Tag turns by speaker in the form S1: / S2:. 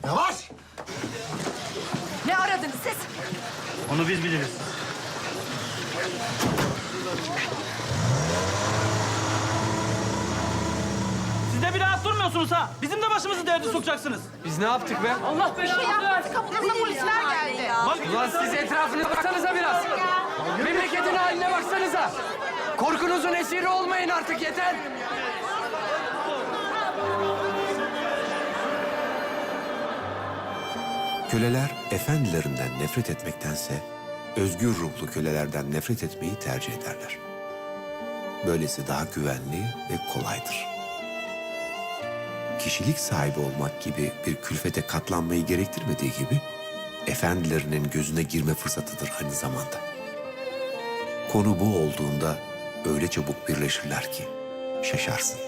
S1: Yavaş!
S2: Ne aradınız siz?
S3: Onu biz biliriz. Siz de bir rahat durmuyorsunuz ha. Bizim de başımızı derde sokacaksınız.
S4: Biz ne yaptık be?
S3: Allah belanı versin.
S2: Kapınıza polisler geldi.
S4: Ulan siz etrafınıza baksanıza biraz. Memleketin haline baksanıza. Korkunuzun esiri olmayın artık, yeter.
S5: Köleler efendilerinden nefret etmektense özgür ruhlu kölelerden nefret etmeyi tercih ederler. Böylesi daha güvenli ve kolaydır. Kişilik sahibi olmak gibi bir külfete katlanmayı gerektirmediği gibi efendilerinin gözüne girme fırsatıdır aynı zamanda. Konu bu olduğunda öyle çabuk birleşirler ki şaşarsın.